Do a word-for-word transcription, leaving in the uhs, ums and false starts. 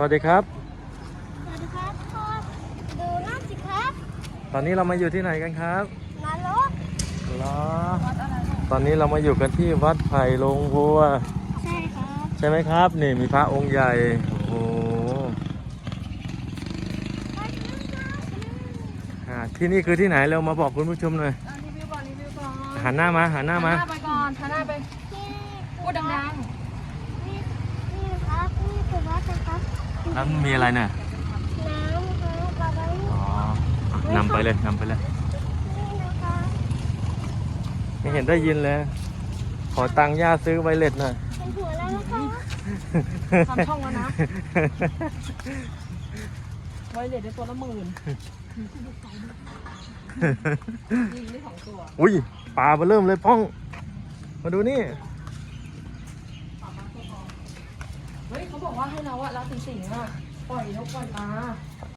วัสดีครับสวัสดีครับพ่อดูนั่นสิครับตอนนี้เรามาอยู่ที่ไหนกันครับนรกเหรอตอนนี้เรามาอยู่กันที่วัดไผ่ลงวัวใช่ครับใช่ไหมครับนี่มีพระองค์ใหญ่โอ้โหอ่าที่นี่คือที่ไหนเรามาบอกคุณผู้ชมหน่อยรีวิวก่อนรีวิวก่อนหันหน้ามาหันหน้าหันหมาน้าไปก่อนหันหน้าไปที่พูดดังนี่นี่ครับนี่คือวัดนะครับแล้วมีอะไรเนี่ยน้ำครับอะไรอ๋อนำไปเลยนำไปเลยนี่นะครับไม่เห็นได้ยินเลย ขอตังค์ย่าซื้อไวเลสหน่อยเป็นหัวแล้วนะครับๆทำช่องแล้วนะไวเลสได้ตัวละหมื่นยิงได้สองตัวอุ้ยปลามาเริ่มเลยป้อง มาดูนี่เฮ้ยเขาบอกว่าให้เราอะเราสิงสิงอะปล่อยนกปล่อยปลา